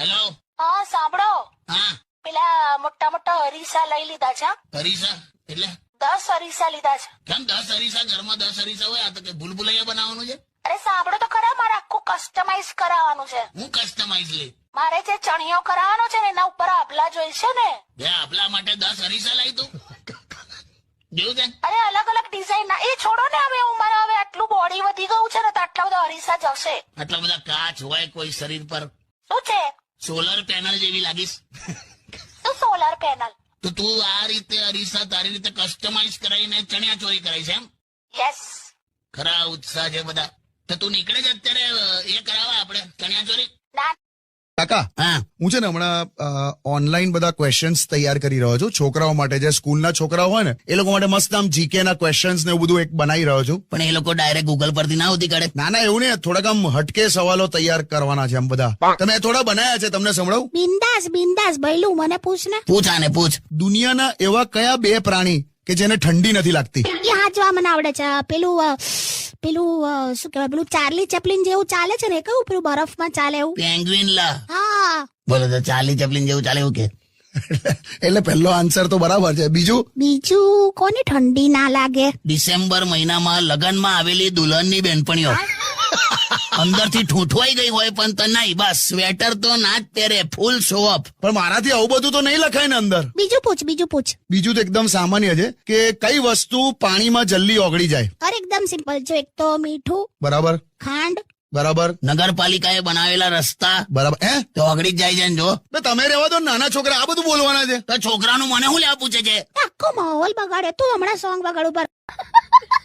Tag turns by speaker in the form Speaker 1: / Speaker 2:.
Speaker 1: Hello.
Speaker 2: હા સાંભળો,
Speaker 1: હા.
Speaker 2: પેલા મોટા મોટા અરીસા લઈ લીધા છે.
Speaker 1: અરીસા એટલે
Speaker 2: 10 અરીસા લીધા છે.
Speaker 1: કેમ 10 અરીસા? ઘરમાં 10 અરીસા હોય? આ તો કે ભૂલભુલૈયા બનાવવાનું છે.
Speaker 2: અરે સાંભળો તો ખરા, મારે આખું કસ્ટમાઇઝ કરાવવાનું છે.
Speaker 1: હું કસ્ટમાઇઝ લે?
Speaker 2: મારે જે ચણિયો કરાવવાનો છે ને એના ઉપર આભલા જોઈશે ને.
Speaker 1: બે આપલા માટે 10 અરીસા લાવી તું? જોયું છે?
Speaker 2: અરે અલગ અલગ ડિઝાઇન ના. એ છોડો ને, હવે મારે હવે આટલું બોડી વધી ગયું છે ને તો આટલા બધા અરીસા જશે.
Speaker 1: આટલા બધા કાચ હોય કોઈ શરીર પર?
Speaker 2: શું છે?
Speaker 1: સોલર પેનલ જેવી લાગીશ.
Speaker 2: શું સોલાર પેનલ?
Speaker 1: તો તું આ રીતે અરીસા તારી રીતે કસ્ટમાઇઝ કરાવીને ચણિયા ચોરી કરાઈ છે એમ?
Speaker 2: યસ.
Speaker 1: ખરા ઉત્સાહ છે બધા. તો તું નીકળે જ અત્યારે એ કરાવવા આપણે ચણિયા ચોરી?
Speaker 2: ના.
Speaker 3: કાકા,
Speaker 1: હા.
Speaker 3: હું છે ને હમણાં ઓનલાઈન બધા ક્વેશ્ચન્સ તૈયાર કરી રહ્યો છું છોકરાઓ માટે. જે સ્કૂલના છોકરાઓ હોય ને એ લોકો માટે મસ્ત આમ જીકે ના ક્વેશ્ચન્સ ને એવું બધું એક બનાવી રહ્યો છું.
Speaker 1: પણ એ લોકો ડાયરેક્ટ ગૂગલ પરથી ના હોતી કાઢે?
Speaker 3: ના ના, એવું નહીં, થોડાક આમ હટકે સવાલો તૈયાર કરવાના છે આમ બધા. તમે થોડા બનાયા છે, તમને સંભળાવું?
Speaker 2: બિંદાસ બિંદાસ ભઈલું, મને પૂછ ને.
Speaker 1: પૂછ આને પૂછ.
Speaker 3: દુનિયાના એવા કયા 2 પ્રાણી કે જેને ઠંડી નથી લાગતી?
Speaker 2: એ હાચવા મને આવડે છે. પેલું શું કહેવાય, પેલું ચાર્લી ચેપ્લિન જેવું ચાલે છે ને, એ કયું પેલું બરફમાં ચાલે એવું?
Speaker 1: પેંગ્વિન લા.
Speaker 2: હા.
Speaker 1: બોલો તો ચાર્લી ચેપ્લિન જેવું ચાલે એવું કે?
Speaker 3: એટલે પહેલો આન્સર તો બરાબર છે.
Speaker 2: બીજું કોને ઠંડી ના લાગે?
Speaker 1: ડિસેમ્બર મહિનામાં લગનમાં આવેલી દુલ્હનની બેનપણીઓ અંદરથી ઠૂંઠવાઈ ગઈ હોય પણ તો નહીં, બસ સ્વેટર તો ના જ પહેરે, ફૂલ શો ઓફ.
Speaker 3: પણ મારાથી આવું બધું તો નહીં લખાય ને અંદર.
Speaker 2: બીજું પૂછ.
Speaker 3: બીજું તો એકદમ સામાન્ય છે કે કઈ વસ્તુ પાણીમાં જલ્દી ઓગળી જાય?
Speaker 2: અરે એકદમ સિમ્પલ. જો એક તો મીઠું,
Speaker 3: બરાબર
Speaker 2: ખાંડ.
Speaker 3: બરાબર.
Speaker 1: નગરપાલિકાએ બનાવેલા રસ્તા
Speaker 3: બરાબર.
Speaker 1: તો ઓગળી જ જાય છે ને. જો
Speaker 3: તો તમે રહેવા દો, નાના છોકરા આ બધું બોલવાના છે.
Speaker 1: તો છોકરાનું મને શું લેવા પૂછે છે?
Speaker 2: આખો માહોલ બગાડે. તું હમણાં સોંગ બગાડ ઉપર.